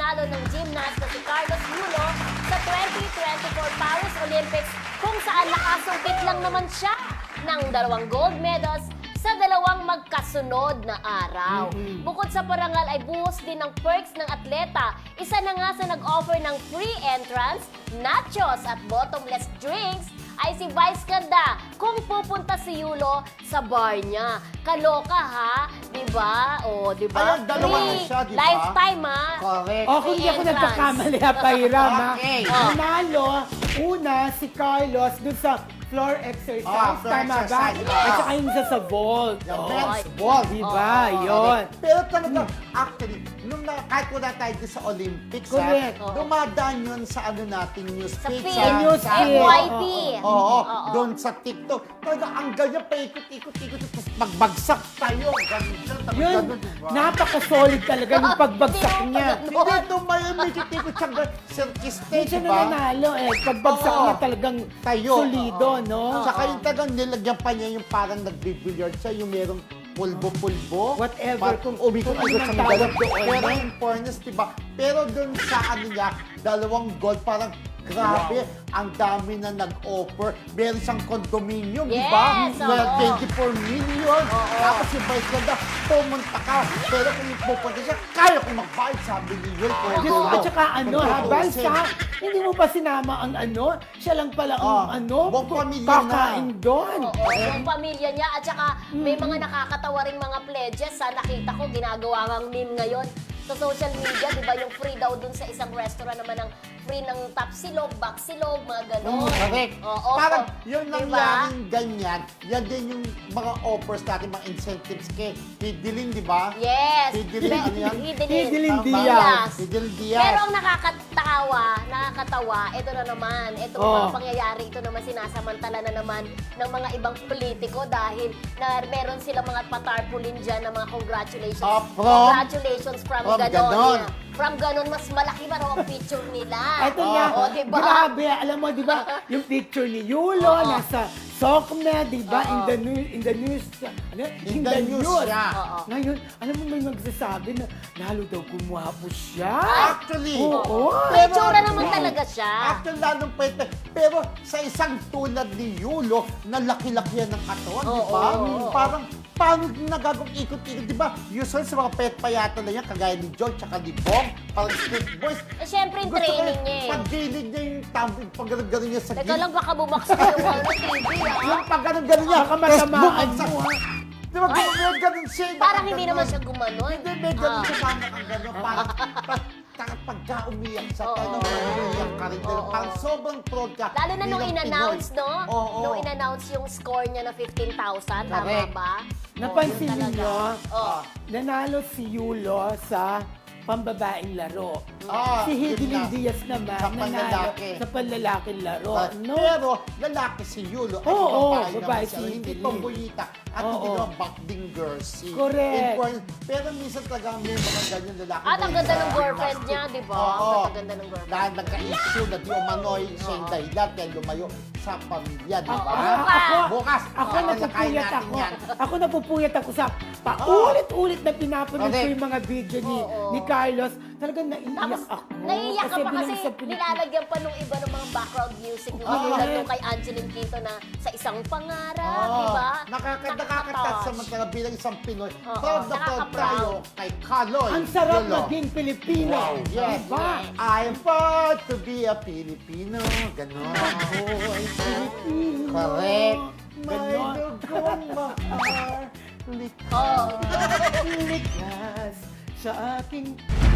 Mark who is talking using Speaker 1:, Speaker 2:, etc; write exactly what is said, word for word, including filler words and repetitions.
Speaker 1: nanalo ng gymnast na si Carlos Yulo sa twenty twenty-four Paris Olympics kung saan nakasungkit lang naman siya ng dalawang gold medals sa dalawang magkasunod na araw.
Speaker 2: Mm-hmm.
Speaker 1: Bukod sa parangal ay buhos din ng perks ng atleta. Isa na nga sa nag-offer ng free entrance, nachos at bottomless drinks ay si Vice Ganda kung pupunta si Yulo sa bar niya. Kaloka ha, di ba? O, di ba?
Speaker 2: Ayun, dalawa na siya, di ba?
Speaker 1: Lifetime ha.
Speaker 2: Correct.
Speaker 3: O, kung hindi ako
Speaker 1: entrance.
Speaker 3: nagkakamali, ha, Pahiram, ha?
Speaker 2: Okay.
Speaker 3: Nanalo, una, si Carlos dun sa floor exercise,
Speaker 2: Ah, floor
Speaker 3: tama
Speaker 2: exercise,
Speaker 3: ba?
Speaker 2: ah.
Speaker 3: At saka yung isa sa vault.
Speaker 2: Yung
Speaker 3: Oh,
Speaker 2: men's ball.
Speaker 3: diba?
Speaker 1: Oo,
Speaker 3: Yun.
Speaker 2: Pero talaga, actually, nung na, kahit wala tayo din sa Olympics,
Speaker 3: Correct.
Speaker 2: ha, dumadaan yun sa ano nating news
Speaker 1: Sa
Speaker 2: feed,
Speaker 1: feed,
Speaker 3: Sa news
Speaker 2: sa-
Speaker 3: feed.
Speaker 1: F Y P.
Speaker 2: Oo, oo,
Speaker 1: Oo.
Speaker 2: doon sa TikTok. Talaga, ang ganyan, paikot-ikot-ikot, tapos magbagsak tayo. Ganun siya, tapos
Speaker 3: Yun,
Speaker 2: ganun, diba?
Speaker 3: napaka-solid talaga yung pagbagsak
Speaker 1: Hindi mo
Speaker 3: niya.
Speaker 1: pa
Speaker 2: Hindi, tumayo, may kitikot siya, circus
Speaker 3: Hindi
Speaker 2: stage,
Speaker 3: siya
Speaker 2: diba?
Speaker 3: nananalo eh. Pagbagsak
Speaker 2: Oo.
Speaker 3: niya talagang
Speaker 2: Tayo.
Speaker 3: solido, no?
Speaker 2: Tsaka yung talagang nilagyan pa niya yung parang nagbibilyard siya, yung merong pulbo-pulbo.
Speaker 3: Whatever,
Speaker 2: Parang
Speaker 3: kung-
Speaker 2: umikot-ikot
Speaker 3: kung
Speaker 2: sa
Speaker 3: anong
Speaker 2: medalya.
Speaker 3: tawag doon,
Speaker 2: Pero
Speaker 3: no?
Speaker 2: in fairness, diba? Pero dun sa ano niya, dalawang gold, parang grabe, ang dami na nag-offer. Meron siyang condominium, di ba?
Speaker 1: Yes,
Speaker 2: Na
Speaker 1: oo.
Speaker 2: twenty-four million.
Speaker 1: Oo.
Speaker 2: Tapos yung vice ganda, pumunta ka. Pero kung pupunta siya, kaya kong magbayad, sabi ni Yul.
Speaker 3: Diyos ko, at saka ano, habang sa, hindi mo pa sinama ang ano, siya lang pala ang
Speaker 2: Ah,
Speaker 3: ano,
Speaker 2: buong pamilya na.
Speaker 3: kakain doon.
Speaker 1: Oo, yung pamilya niya. At saka may mga nakakatawa ring mga pledges. Sa nakita ko, ginagawa ng meme ngayon sa social media, di ba? Yung free daw dun sa isang restaurant naman ng free ng top silog, back silog, mga gano'n.
Speaker 2: Correct.
Speaker 1: Oo.
Speaker 2: Parang yung
Speaker 1: Diba?
Speaker 2: nangyaring ganyan, yan din yung mga offers natin, mga incentives kay Hidilin, di ba?
Speaker 1: Yes.
Speaker 2: Hidilin, ano yan?
Speaker 1: Hidilin.
Speaker 3: Hidilin
Speaker 2: Tama.
Speaker 3: Diaz.
Speaker 2: Hidilin Diaz.
Speaker 1: Pero ang nakakatawa, nakakatawa, ito na naman, ito
Speaker 3: Oh.
Speaker 1: mga pangyayari, ito naman sinasamantala na naman ng mga ibang politiko dahil na meron silang mga patarpulin dyan ng mga congratulations.
Speaker 2: Ah, from?
Speaker 1: Congratulations from,
Speaker 2: From
Speaker 1: ganon.
Speaker 2: ganon.
Speaker 1: Yeah. From ganon, mas malaki pa raw ang picture nila.
Speaker 3: Ito nga,
Speaker 1: Oo, diba?
Speaker 3: grabe, alam mo, di ba, yung picture ni Yulo,
Speaker 1: Oo.
Speaker 3: nasa Sokme, di ba,
Speaker 1: Oo.
Speaker 3: in the news, in the news, ano,
Speaker 2: In the news siya.
Speaker 1: Oo.
Speaker 3: Ngayon, alam mo, may magsasabi na, lalo daw gumwapo siya.
Speaker 2: Actually,
Speaker 3: Oo.
Speaker 1: May
Speaker 2: pero-
Speaker 1: tsura naman
Speaker 2: Wow.
Speaker 1: talaga siya.
Speaker 2: Actually, lalong pwede. Pero sa isang tulad ni Yulo, na laki-laki yan ng katawan, di
Speaker 1: Oo,
Speaker 2: ba?
Speaker 1: oo, oo.
Speaker 2: Parang, paano nagagawang ikot-ikot, di ba? Usually sa mga pet payata na yan, kagaya ni John, tsaka ni Bong, parang street boys.
Speaker 1: Eh, syempre, yung
Speaker 2: Gusto ko
Speaker 1: training
Speaker 2: yung
Speaker 1: niya eh.
Speaker 2: Pag gilid niya yung tumbling, pag gano'n niya sa
Speaker 1: Teka
Speaker 2: gilid.
Speaker 1: lang, baka bumaksak yung ano, T V ah.
Speaker 2: Yung pag gano'n-gano'n niya.
Speaker 3: Baka matamaan
Speaker 2: bumagsak.
Speaker 3: mo, ha?
Speaker 2: Di ba, gano'n gano'n siya.
Speaker 1: Parang hindi
Speaker 2: nakaganon.
Speaker 1: naman siya gumanon.
Speaker 2: Hindi, may gano'n
Speaker 1: Ah.
Speaker 2: siya parang nakaganon. Parang, parang, parang pagka umiyak siya,
Speaker 1: Oo.
Speaker 2: talagang umiyak ka rin.
Speaker 1: Oo.
Speaker 2: Parang sobrang proud ka.
Speaker 1: Lalo na nung
Speaker 2: bilang
Speaker 1: in-announce,
Speaker 2: Pinoy.
Speaker 1: no?
Speaker 2: Oo.
Speaker 1: Nung in-announce yung score niya na fifteen thousand, tama
Speaker 2: Correct.
Speaker 1: ba?
Speaker 3: Napansin
Speaker 1: Oo, yun
Speaker 3: niyo,
Speaker 1: talaga. Oo.
Speaker 3: nanalo si Yulo sa pambabaeng laro.
Speaker 2: Ah,
Speaker 3: si
Speaker 2: yun
Speaker 3: Hidilin
Speaker 2: na.
Speaker 3: Diaz naman,
Speaker 2: Sa
Speaker 3: nanalo
Speaker 2: panlalaki.
Speaker 3: sa panlalaking laro.
Speaker 2: Ah,
Speaker 3: no?
Speaker 2: Pero, lalaki si Yulo. Ay,
Speaker 3: Oo,
Speaker 2: babae
Speaker 3: babae
Speaker 2: naman
Speaker 3: si
Speaker 2: siya. Hindi
Speaker 3: Hidilin.
Speaker 2: pambuyita. At hindi
Speaker 3: Oo.
Speaker 2: naman backding girl si.
Speaker 3: Correct.
Speaker 2: Important. Pero minsan talaga may mga ganyan lalaki.
Speaker 1: At ang
Speaker 2: na
Speaker 1: ganda
Speaker 2: sa
Speaker 1: ng girlfriend
Speaker 2: gymnastic.
Speaker 1: niya, di ba?
Speaker 2: Oo.
Speaker 1: Ang ganda ng girlfriend.
Speaker 2: Dahil nagka-issue na di umano'y siya yung dahilan kaya lumayo sa pamilya, di
Speaker 3: Ako,
Speaker 2: ba?
Speaker 1: Bukas.
Speaker 3: ako,
Speaker 2: Bukas.
Speaker 3: ako
Speaker 2: Kaya
Speaker 3: napupuyat
Speaker 2: nakain natin
Speaker 3: ako.
Speaker 2: yan.
Speaker 3: Ako napupuyat ako sa paulit-ulit na pinapanood ko
Speaker 2: Correct.
Speaker 3: yung mga video ni,
Speaker 1: Oo.
Speaker 3: ni Carlos. Talagang naiiyak
Speaker 1: Tapos,
Speaker 3: ako.
Speaker 1: naiiyak ka pa
Speaker 3: bilang
Speaker 1: kasi
Speaker 3: isang Pilipino-
Speaker 1: nilalagyan pa nung iba ng mga background music na
Speaker 2: Oo.
Speaker 1: tulad nung kay Angeline Quinto na sa isang pangarap,
Speaker 2: Oo.
Speaker 1: di ba?
Speaker 2: Nakaka- Nakakatat
Speaker 1: Nakaka-touch.
Speaker 2: samantala bilang isang Pinoy.
Speaker 1: Oo.
Speaker 2: Proud na proud
Speaker 1: Nakaka-proud.
Speaker 2: tayo kay Kaloy.
Speaker 3: Ang sarap
Speaker 2: Yulo.
Speaker 3: maging Pilipino.
Speaker 2: Wow, yes.
Speaker 3: Diba?
Speaker 2: I'm proud to be a Filipino. Ganon.
Speaker 3: Ako'y Pilipino.
Speaker 2: Correct.
Speaker 3: May
Speaker 2: Ganon.
Speaker 3: dugong mahal.
Speaker 1: Oo.
Speaker 3: Likas sa aking